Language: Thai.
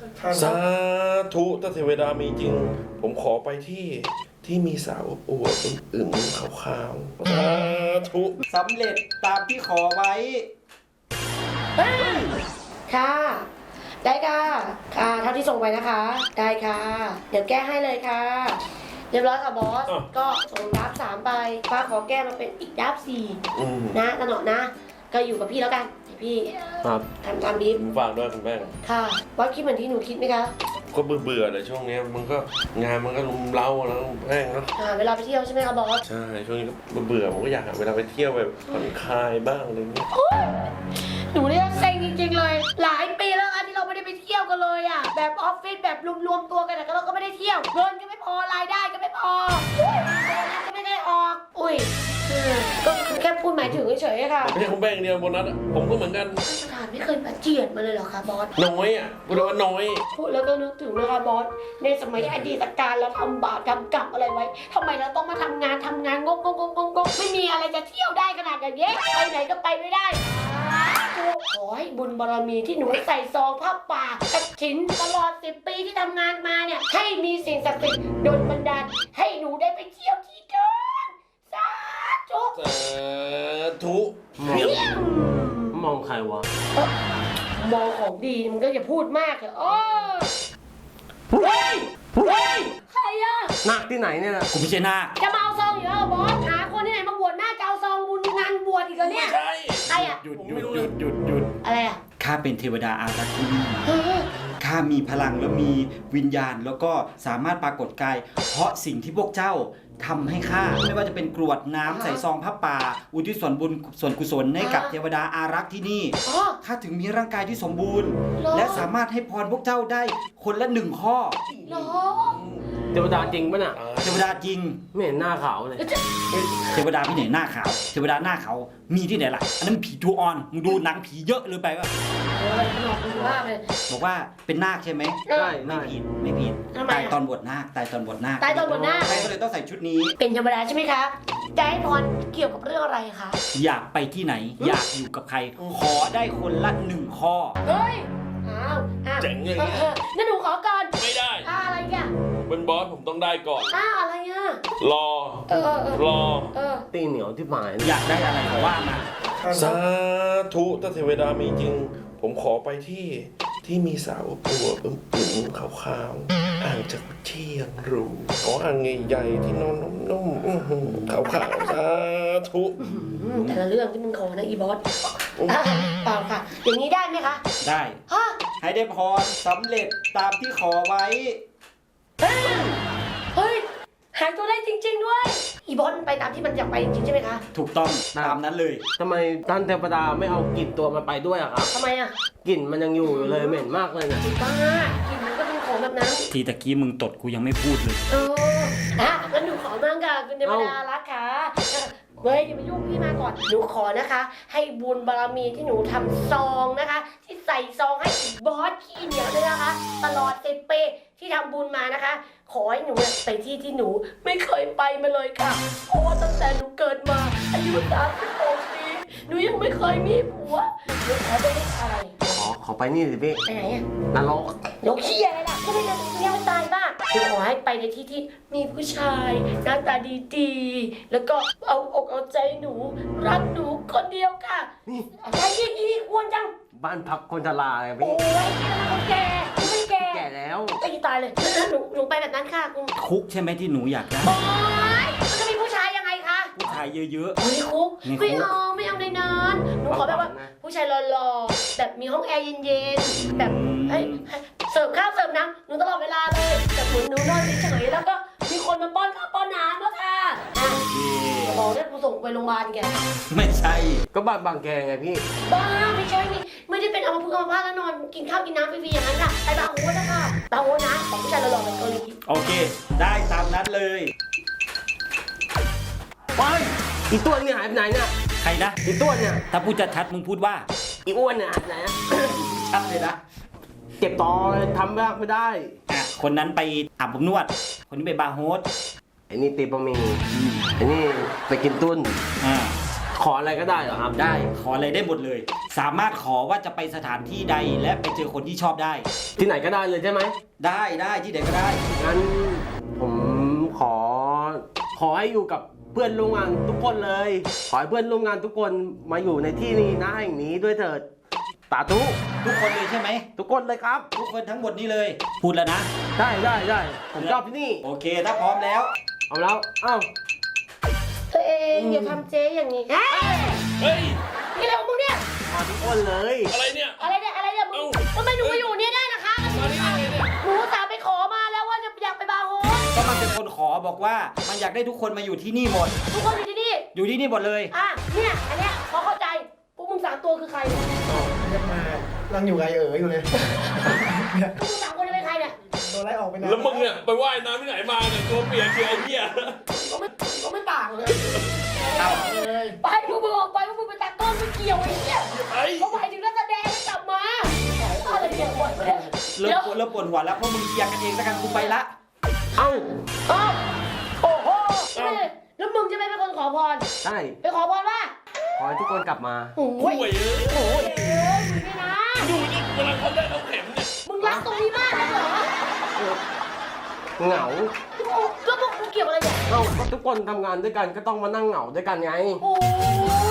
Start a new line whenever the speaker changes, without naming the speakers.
สาธุถ้าเทวดามีจริง ผมขอไปที่มีสาวอวบอึมๆขาวๆสาธุ
สำเร็จตามที่ขอไว้
ค่ะ ได้ค่ะเท่าที่ส่งไปนะคะ ได้ค่ะ เดี๋ยวแก้ให้เลยค่ะ เรียบร้อยค่ะบอส ก็ส่งดับ3ไปป้าขอแก้มาเป็นอีกดับ4นะตะหนอนะ ก็อยู่กับพี่แล้วกันพี่
ครับ
ทำตามบีฟ
ผมฝากด้วยคุณแป้ง
ค่ะบอสคิดเหมือนที่หนูคิดไหมคะ
ก็เบื่อเลยช่วงนี้มันก็งานมันก็ลุมเล้าแล้วแป้งเนาะ
เวลาไปเที่ยวใช่ไหมคะบอส
ใช่ช่วงนี้ก็เบื่อผมก็อยากหาเวลาไปเที่ยวแบบผ่อนคลายบ้างอะไรอย่างเงี้ย
หนูเนี่ยเซ็งจริงๆเลย หลายปีแล้วที่เราไม่ได้ไปเที่ยวกันเลยอ่ะแบบออฟฟิศแบบรวมๆตัวกันแต่เราก็ไม่ได้เที่ยวเงินก็ไม่พอรายได้ก็ไม่พอโบนัสก็ไม่ได้ออกอุ้ยก็แค่พูดหมายถึงเฉยๆค่ะ
ไม่ใช่คุณแป้งเดียวโบนัสอะผมก็เหมือนกัน
ท่านประธานไม่เคยมาเจียดมาเลยเหรอคะบอส
น้อยอ่ะพูดว่าน้อย
พูดแล้วก็นึกถึงนะคะบอสในสมัยอดีตการเราทำบาปทำกรรมอะไรไว้ทำไมเราต้องมาทำงานงกไม่มีอะไรจะเที่ยวได้ขนาดอย่างนี้ไปไหนก็ไปไม่ได้ขอให้บุญบารมีที่หนูใส่ซองผ้าป่ากระถินตลอด10 ปีที่ทำงานมาเนี่ยให้มีสิ่งศักดิ์สิทธิ์โดนบันดาลให้หนูได้ไปเที่ยวที่เดินสาธุ
สาธุ
มองใครวะ
มองของดีมันก็อย่าพูดมากเถอะเฮ้ยใครอะ
นาคที่ไหนเนี่ยนะ
กูไม่ใช่นาค
จะมาเอาซองอยู่แล้วเหรอบอสหาคนที่ไหนมาบวชหน้าจะเอาซองบุญงานบวชอีกแล้วเนี่ย
ใช่
ใครอะ
หยุด
อะไรอะ
ข้าเป็นเทวดาอารักษ์ที่นี่
เฮ้ย
ข้ามีพลังแล้วมีวิญญาณแล้วก็สามารถปรากฏกาย เพราะสิ่งที่พวกเจ้าทำให้ข้าไม่ว่าจะเป็นกรวดน้ำใส่ซองผ้าป่า อุทิศส่วนบุญส่วนกุศลให้กับเทวดาอารักษ์ที่นี่
อ๋อ
ข้าถึงมีร่างกายที่สมบูรณ์
เหรอ
และสามารถให้พรพวกเจ้าได้คนละ1 ข้อ
เหรอ
เทวดาจริงปะน่ะ
เทวดาจริง
ไม่เห็นหน้าขาวเลย
เทวดาที่ไหนหน้าขาว เทวดาหน้าขาวมีที่ไหนล่ะ อันนั้นผีจูออนมึงดูหนังผีเยอะเลยไปวะ
ขนมคุณภาพเลย
บอกว่าเป็นนาคใช่ไหม
ได้
ไม่ผิดไม่ผิด
ทำไมอะ
ตายตอนบวชนาคตายตอนบวชนาค
ตายตอนบวชนาค
ใช่ก็เลยต้องใส่ชุดนี้
เป็นธรรมดาใช่ไหมคะจะให้พรเกี่ยวกับเรื่องอะไรคะ
อยากไปที่ไหน อยากอยู่กับใคร ขอได้คนละ1 ข้อ
เฮ้ยอ้าว
เจ๋งเลย
งั้นหนูขอก่อน
ไม่ได้
อะไรอ่ะ
เป็นบอสผมต้องได้ก่อน
อะไรอ่ะ
รอ รอ
ตีเหนียวที่หมาย
อยากได้อะไรก็ว่ามา
สาธุถ้าเทวดามีจริง ผมขอไปที่มีสาวอวบอึมๆขาวๆอ่างจากเชียงรูขออ่างใหญ่ๆที่นอนนุ่มๆขาวๆสาธุ
แต่ละเรื่องที่มึงขอนะอีบอสเปล่าค่ะ อย่างนี้ได้ไหมคะ
ได้
ฮะ
ให้ได้พรสำเร็จตามที่ขอไว้
เฮ้ย หายตัวได้จริง ๆ ด้วย อีบอสมันไปตามที่มันอยากไปจริงๆใช่ไหมคะ
ถูกต้องตามนั้นเลย
ทำไมท่านเทวดาไม่เอากลิ่นตัวมันไปด้วยอะครับ
ทำไมอ่ะ
กลิ่นมันยังอยู่เลยเหม็นมากเลยนะ
บ้ากินมันก็เป็นของแบบนั้น
ทีตะกี้มึงตดกูยังไม่พูดเลย
งั้นหนูขอบ้างค่ะคุณเทวดารักค่ะเฮ้ยอย่ามายุ่งพี่มาก่อน หนูขอนะคะ ให้บุญบารมีที่หนูทำซองนะคะ ที่ใส่ซองให้บอสขี้เหนียวด้วยนะคะ ตลอด10 ปีที่ทำบุญมานะคะ ขอให้หนูไปที่หนูไม่เคยไปมาเลยค่ะ เพราะว่าตั้งแต่หนูเกิดมาอายุ36 ปีหนูยังไม่เคยมีผัวหนูขอไปได้อะไร
ขอไปนี่สิพี่
ไปไหนอะ
นรก
โลกเขี้ยอะไรล่ะก็ไม่ได้ยังไม่ตายบ้างคือขอให้ไปในที่ที่มีผู้ชายหน้าตาดีๆ แล้วก็เอาอกเอาใจหนู รักหนูคนเดียวค่ะ
นี่
อะไรอีกควรจัง
บ้านพักคนชราไง
โอ้
พี่
ยนี่มันคนแก่ไม่แก่
แก่แล้ว
ตีตายเลยหนูไปแบบนั้นค่ะคุณ
คุกใช่ไหมที่หนูอยากได้
โอ๊ยมันจะมีผู้ชายยังไงคะ
ผู้ชายเยอะ
โอ้ยคุก
ในคุก
ไม่เอาในนั้นหนูขอแบบว่าผู้ชายหล่อๆแบบมีห้องแอร์เย็นๆแบบให้เสิร์ฟข้าวเสิร์ฟน้ำหนูตลอดเวลาเลยแต่หนูนอนเฉยๆแล้วก็มีคนมาป้อนข้าวป้อนน้ำแล้วค่ะ
ๆเย่
บอกได้กูส่งไปโรงพยาบาลแก
ไม่ใช่
ก็บ้านบางแกไงพี่
บ้าไม่ใช่นี่ไม่ได้เป็นอัมพฤกษ์อัมพาตแล้วนอนกินข้าวกินน้ำฟรีๆอย่างนั้นค่ะไปบาร์โฮสนะคะบาร์โฮสนะของผู้ชายหล่อๆแบบเกาหลี
โอเค ได้ตามนั้นเลย
ไปอีตัวนี่หายไปไหนเนี่ย
ใครนะ
อีตัวเนี่ย
ถ้าพูดชัดๆมึงพูดว่า
อีอ้วนเนี่ยหายไปไหนอะ
ชัดเลยนะ
เจ็บตอทำบ้างไม่ได้
อ่ะคนนั้นไปอาบอบนวด คนนี้ไปบาร์โฮส
ไอ้นี่ตีบะหมี่ไอ้นี่ไปกินตุ้น
อ่า
ขออะไรก็ได้เหรอครับ
ได้ขออะไรได้หมดเลย สามารถขอว่าจะไปสถานที่ใดและไปเจอคนที่ชอบได้
ที่ไหนก็ได้เลยใช่ไหม
ได้ที่ไหนก็ได้
งั้นผมขอให้อยู่กับเพื่อนร่วมงานทุกคนเลย ขอให้เพื่อนร่วมงานทุกคนมาอยู่ในที่นี้นะแห่งนี้ด้วยเถิดสาธุ
ทุกคนเลยใช่ไหม
ทุกคนเลยครับ
ทุกคนทั้งหมดนี้เลย พูดแล้วนะ
ได้ผมชอบที่นี่
โอเคถ้าพร้อมแล้ว
เอาแล้วเอ้า
ตัวเองอย่าทำเจ๊อย่างนี้เฮ้ย
เฮ้ย
นี่อะไรของมึงเนี่ย
มาทุกคนเลย
อะไรเนี่ย
อะไรเนี่ยมึงทำไมหนูมาอยู่เนี่ยได้นะคะ
มานี่ได้ไงเนี่ย
หนูสาไปขอมาแล้วว่าจะอยากไปบาร์โฮส
ก็มันเป็นคนขอบอกว่ามันอยากได้ทุกคนมาอยู่ที่นี่หมด
ทุกคนอยู่ที่นี่
อยู่ที่นี่หมดเลย
อ่ะเนี่ยอันเนี้ยพอเข้าใจพวกมึงสามตัวคือใครเนี่ย
เรียกมานั่งอยู่ไงอยู่เลย
พวกมึงสามคนจะเป็นใครเนี่ย
โดนไล่ออกไปนาน
แล้วมึงเนี่ยไปว่ายน้ำที่ไหนมาเนี่ยตัวเปียกเชียวไอ้เหี้ย
ก็ไม่ต่างเลย
เอ้า
เลย
ไปพวกมึงออกไปพวกมึงไปตัดต้นไม่เกี่ยวไอ้เนี่ย
ไอ้
เขาหมายถึงนักแสดงให้กลับมาอะไรเนี่ยบ่อยไปเนี่ย
เริ่มปวดหัวแล้วเพราะมึงเคลียร์กันเองแล้วกันกูไปละ
เอ้า
เอ้าโอ้โหแล้วมึงจะไม่เป็นคนขอพร
ได้
ไปขอพรว่า
ขอให้ทุกคนกลับมา
โอ้
ห่
ย
วยเอ้ย
โอ้ยมึงนี่นะ
ดูนี่เวลาเขาได้เอาเข็มเนี่ย
มึงรักตรงนี้มากเลยเหรอ
เหงา
แล้วพวกกูเกี่ยวอะไรเนี่ย
เอ้าก็ทุกคนทำงานด้วยกันก็ต้องมานั่งเหงาด้วยกันไง
โอ้ย